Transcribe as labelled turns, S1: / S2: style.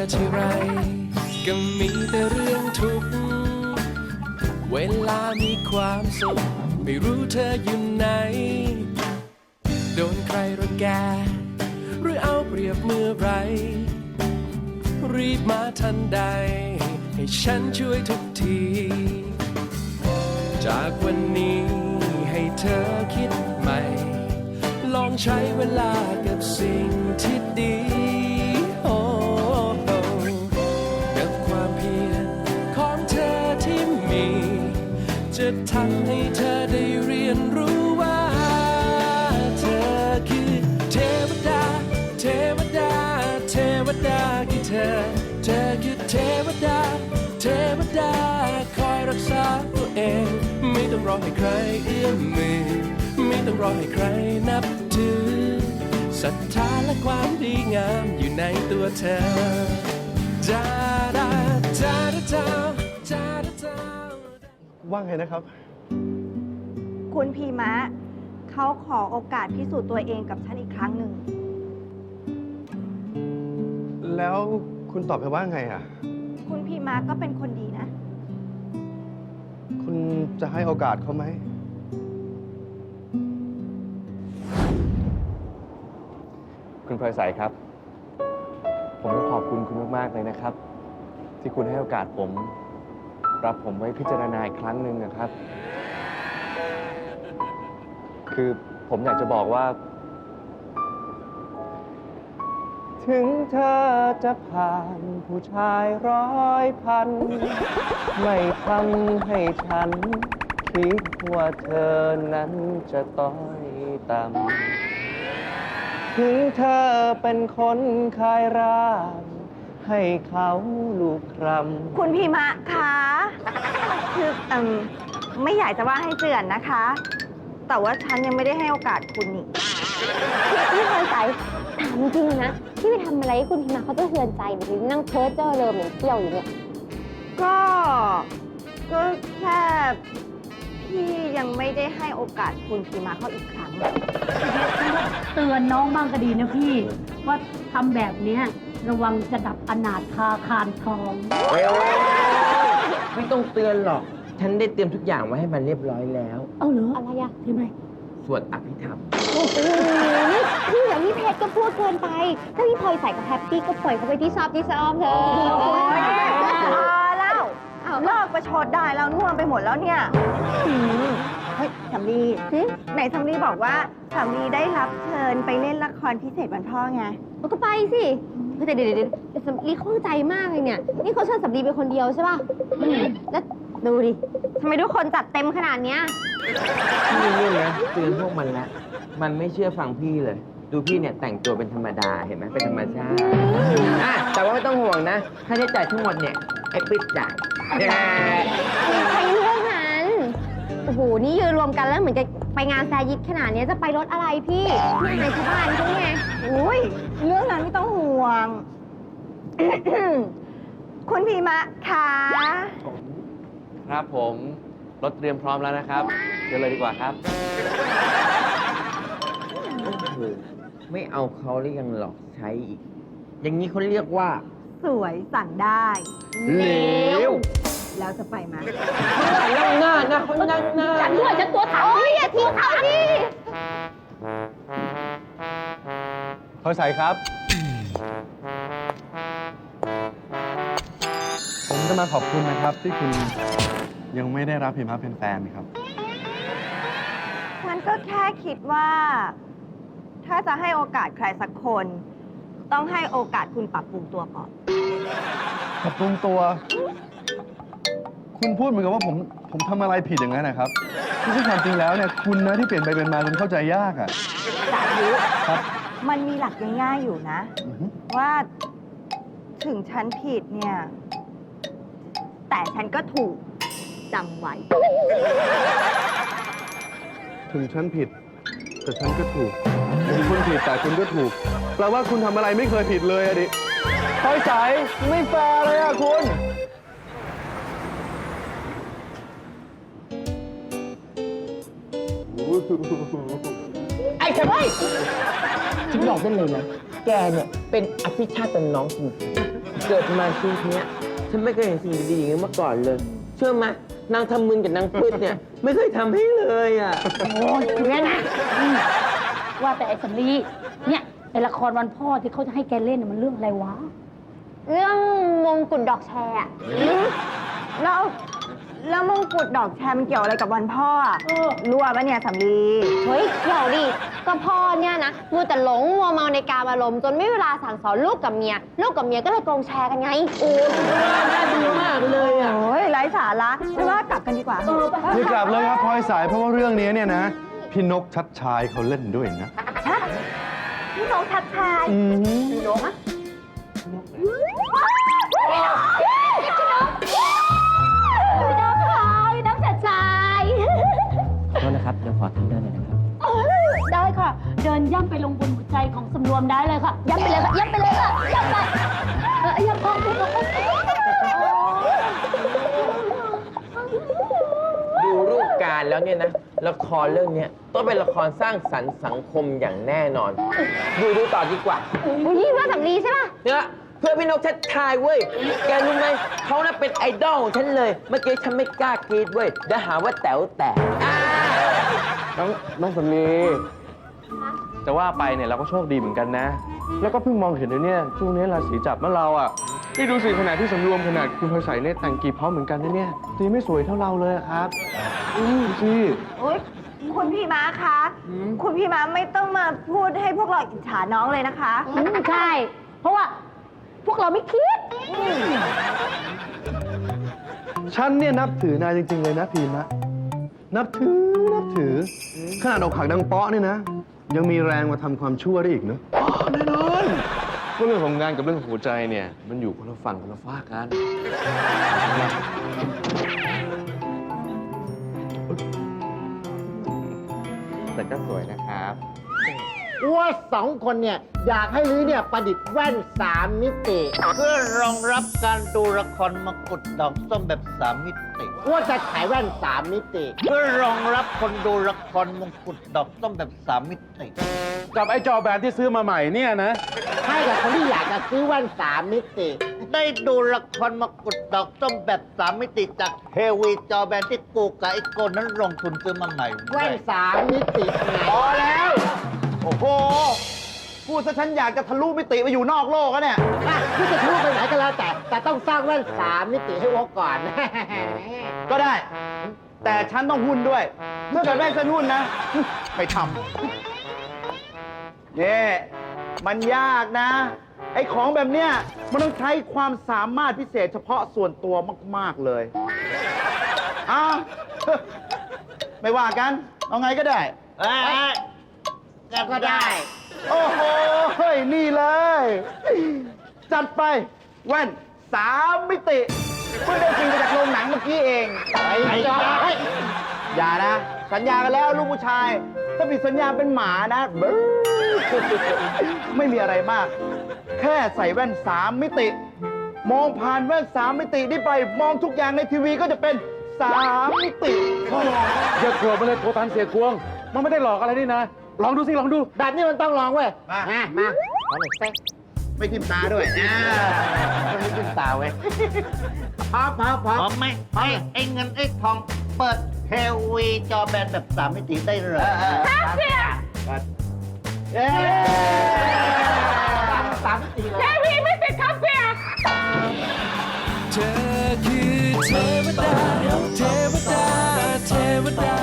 S1: ทีไรก็มีแต่เรื่องทุกข์เวลามีความสุขไม่รู้เธออยู่ไหนโดนใครรังแกหรือเอาเปรียบเมื่อไรรีบมาทันใดให้ฉันช่วยทุกทีจากวันนี้ให้เธอคิดใหม่ลองใช้เวลากับสิ่งที่ดีโอ้กับความเพียรของเธอที่มีจะทำให้เธอได้เรียนรู้ว่าเธอคือเทวดาเทวดาเทวดาคือเธอคือเทวดาเทวดาคอยรักษาตัวเองไม่ต้องรอให้ใครเอื้อมมือไม่ต้องรอให้ใครนับถือศรัทธาและความดีงามอยู่ในตัวเธอจาดาจาดาจาจาดาจา
S2: ว่าไงนะครับ
S3: คุณพีมะเขาขอโอกาสพิสูจน์ตัวเองกับฉันอีกครั้งหนึ่ง
S2: แล้วคุณตอบไปว่าไงอ่ะ
S3: คุณพีมะก็เป็นคนดีนะ
S2: คุณจะให้โอกาสเขาไหม
S4: คุณพลอยใสครับ ผมต้องขอบคุณคุณมากๆเลยนะครับ ที่คุณให้โอกาสผม รับผมไว้พิจารณาอีกครั้งหนึ่งนะครับ คือผมอยากจะบอกว่า ถึงเธอจะผ่านผู้ชาย100,000ไม่ทำให้ฉัน คิดว่าเธอนั้นจะต้อยต่ำถึงเธอเป็นคนขายร่างให้เขาลูกครำ
S3: คุณพีมะคะคือไม่อยากจะว่าให้เจือนนะคะ แต่ว่าฉันยังไม่ได้ให้โอกาสคุณนี่
S5: พี่พลอยใสถามจริงนะพี่ไปทำอะไรให้คุณพิมาเขาจะเทือนใจหรือนั่งเพ้อเจ้อเริมเหมือนเที่ยวอยู่เนี่ย
S3: ก็แค่พี่ยังไม่ได้ให้โอกาสคุณพีมะเขาอีกครั้ง
S6: เตือนน้องบ้างก็ดีนะพี่ ว่าทำแบบเนี้ยระวังจะดับอนาถคาคานทอง
S7: ไม่ต้องเตือนหรอก ฉันได้เตรียมทุกอย่างไว้ให้มันเรียบร้อยแล้ว
S6: เอาเหรอ
S5: อะไรอะ
S6: ใช่ไหม
S7: สวดอภิธรรม
S5: โอ้โหพี่อย่างนี้เพชรก็พูดเกินไป ถ้าพี่พลอยใสกับแฮปปี้ก็ปล่อยเขาไปที่ชอบเถอะ
S3: โอ้ยแล้วเลิกประชดได้แล้วน่วมไปหมดแล้วเนี่ยเฮ้ยสำลีไหนสำลีบอกว่าสำลีได้รับเชิญไปเล่นละครพิเศษวันพ่อไง
S5: มันก็ไปสิแต่เดี๋ยวสำลีข้องใจมากเลยเนี่ย นี่เขาเชิญสำลีเป็นคนเดียวใช่ป่ะแล้วดูดิทำไมทุกคนจัดเต็มขนาดเนี้ย
S7: พี่นี่นะเตือนพวกมันแล้ว มันไม่เชื่อฟังพี่เลย ดูพี่เนี่ยแต่งตัวเป็นธรรมดาเห็นไหมเป็นธรรมชาติแต่ว่าไม่ต้องห่วงนะ ค่าใช้จ่ายทั้งหมดเนี่ยไอ้ปิ๊ดจ่าย
S5: ใครเรื่องนั้น โอ้โห นี่ยืนรวมกันแล้วเหมือนจะไปงานแซยิดขนาดนี้จะไปรถอะไรพี่นี่ไหนชาวบ้านเขาไง
S3: อุ้ยเรื่องนั้นไม่ต้องห่วง คุณพีมะคะ
S4: ครับผมรถเตรียมพร้อมแล้วนะครับเชิญเลยดีกว่าครับ
S7: โอ้โหไม่เอาเขาแล้วยังหลอกใช้อีก อย่างนี้เขาเรียกว่า
S3: สวยสั่งได้
S7: เหลว
S3: แล้วจะไปไหม
S7: นั่งหน้านะเขานั่งหน้า
S5: ฉันด้วยฉันตัวถังพี่อย่าทิ้งเขาดิ
S2: พลอยใสครับ ผมจะมาขอบคุณนะครับ ที่คุณยังไม่ได้รับพิมพ์เป็นแฟนครับ
S3: ฉันก็แค่คิดว่า ถ้าจะให้โอกาสใครสักคน ต้องให้โอกาสคุณปรับปรุงตัวก่อน
S2: ปรับปรุงตัว คุณพูดเหมือนกับว่าผมทำอะไรผิดอย่างนั้นนะครับที่ความจริงแล้วเนี่ยคุณนะที่เปลี่ยนไปเป็นมาจนเข้าใจยากอ่ะ
S3: สาธุ
S2: ครับ
S3: มันมีหลักง่ายๆอยู่นะ
S2: อือฮึ
S3: ว่าถึงฉันผิดเนี่ย แต่ฉันก็ถูกจำไว้
S2: ถึงฉันผิด แต่ฉันก็ถูกถึงคุณผิดแต่คุณก็ถูกแปลว่าคุณทำอะไรไม่เคยผิดเลยอะดิพลอยใสไม่แฟร์เลยอะคุณ
S7: ไอ้ทำไมฉันบอกได้เลยนะ แกเนี่ยเป็นอภิชาติน้องจริงๆเกิดมาชีวิตเนี้ยฉันไม่เคยเห็นสิ่งดีๆอย่างนี้มาก่อนเลย เชื่อไหมนางทำมึนกับนางปื้ดเนี่ย ไม่เคยทำให้เลยอ่ะ
S6: โอ้ยเนี่ยนะว่าแต่ไอ้สำลีเนี่ยไอ้ละครวันพ่อที่เขาจะให้แกเล่นน่ะมันเรื่องอะไรวะ
S5: เรื่องมงกุฎดอกแชร์อะ
S3: แล้วมงกุฎดอกแชร์มันเกี่ยวอะไรกับวันพ่ออะรั่วปะเนี่ยสำลี
S5: เฮ้ยเดี๋ยวดิก็พ่อเนี่ยนะมัวแต่หลงมัวเมาในการอารมณ์จนไม่มีเวลาสั่งสอนลูกกับเมียก็เลยโกงแชร์กันไง
S7: โอ้น่าดูมากเลยอ่ะ
S3: โอ้ยไร้สาระไม่ว่ากลับกันดีกว่า
S2: อย่ากลับเลยครับพลอยสายเพราะว่าเรื่องนี้เนี่ยนะ พี่นกชัดชายเขาเล่นด้วยนะ
S3: พี่น้องทักทาย
S5: พี่น้องค่ะพี่น้องจัดชาย
S7: ขอโทษนะครับ เดี๋ยวขอทำเดินหน่อยนะครับ
S6: ได้ค่ะ เดินย่ำไปลงบนหัวใจของสำรวมได้เลยค่ะ ย่ำไปเลยค่ะ ย่ำไปเลยค่ะ ย่ำไปย่ำพองดู
S7: ดูรูปการแล้วเนี่ยนะ ละครเรื่องเนี้ยต้องเป็นละครสร้างสรรค์สังคมอย่างแน่นอน ดูต่อดีกว่า
S5: อุ้ยว่าสำลีใช่ป่ะ
S7: เนี่ยเพื่อนพี่นกชัดชายเว้ย แกรู้ไหมเขาน่ะเป็นไอดอลของฉันเลย เมื่อกี้ฉันไม่กล้ากรีดเว้ยเดี๋ยวหาว่าแต๋วแตก
S2: น้องสำลีจะว่าไปเนี่ยเราก็โชคดีเหมือนกันนะ แล้วก็เพิ่งมองเห็นเลยเนี่ยช่วงนี้ราศีจับเมื่อเราอ่ะนี่ดูสิขนาดที่สำรวมขนาดคุณพลอยใสเนี่ยแต่งกี่พร้อมเหมือนกันนะเนี่ยตีไม่สวยเท่าเราเลยอะครับดูสิ
S3: โอ๊ยคุณพี่ม้าคะ คุณพี่ม้าไม่ต้องมาพูดให้พวกเราอิจฉาน้องเลยนะคะ
S6: ใช่ เพราะว่าพวกเราไม่คิด
S2: ฉันเนี่ยนับถือนายจริง ๆ เลยนะพีมะนับถือขนาดอกหักดังเปาะเนี่ยนะ ยังมีแรงมาทำความชั่วได้อีกเนอะแน่นอนก็เรื่องของงานกับเรื่องของหัวใจเนี่ย มันอยู่คนละฝั่งคนละฝากกัน แต่ก็สวยนะครับ
S8: ว่าสองคนเนี่ยอยากให้ลื้อเนี่ยประดิษฐ์แว่น 3 มิติ เพื่อรองรับการดูละครมกุฎดอกส้มแบบ 3 มิติว่าจะขายแว่น 3 มิติ เพื่อรองรับคนดูละครมกุฎดอกส้มแบบ 3 มิติ
S2: กับไอ้จอแบนที่ซื้อมาใหม่เนี่ยนะ
S8: ให้กับคนที่อยากจะซื้อแว่น 3 มิติ ได้ดูละครมกุฎดอกส้มแบบ 3 มิติจากเฮวีจอแบนที่กูกับไอ้โกนนั้นลงทุนซื้อมาใหม่แว่น 3 มิติไง
S9: พอแล้ว โอ้โห พูดซะฉันอยากจะทะลุมิติไปอยู่นอกโลกแล้วเนี่ย
S8: อ่ะที่จะทะลุไปไหนก็แล้วแต่ต้องสร้างแว่น 3 มิติให้วอกก่อน
S9: ก็ได้ แต่ฉันต้องหุ้นด้วยถ้าเกิดไม่ฉันหุ้นนะ ไม่ทำเนี่ยมันยากนะ ไอ้ของแบบเนี้ยมันต้องใช้ความสามารถพิเศษเฉพาะส่วนตัวมาก ๆ เลยอ้าว ไม่ว่ากัน เอาไงก็ได้
S8: ก็ได้
S9: โอ้โหเฮ้ยนี่เลย จัดไปแว่น 3 มิติเพิ่งได้จริงมาจากโรงหนังเมื่อกี้เอง
S8: ไอ้จ้า
S9: อย่านะ สัญญากันแล้วลูกผู้ชาย ถ้าผิดสัญญาเป็นหมานะบึ้ไม่มีอะไรมาก แค่ใส่แว่น 3 มิติ มองผ่านแว่น 3 มิตินี่ไป มองทุกอย่างในทีวีก็จะเป็น 3 มิติ
S2: อย่ากลัวมาเลยโทตันเสียกวง มันไม่ได้หลอกอะไรนี่นะ ลองดูสิ ลองดู
S8: แบบนี้มันต้องลองเว้ย
S9: มา
S8: มาขอหน่อยเซ็ก
S9: ไม่ทิมตาด้วย
S8: ไม่ขึ้นตาเว้ยพร้อมไหมไอ้เงินไอ้ทองเปิดเทวีจอแบนแบบ 3 มิติได้เลยครับเพี่ยเย้3 มิติเลย
S1: เธอคือเทวดา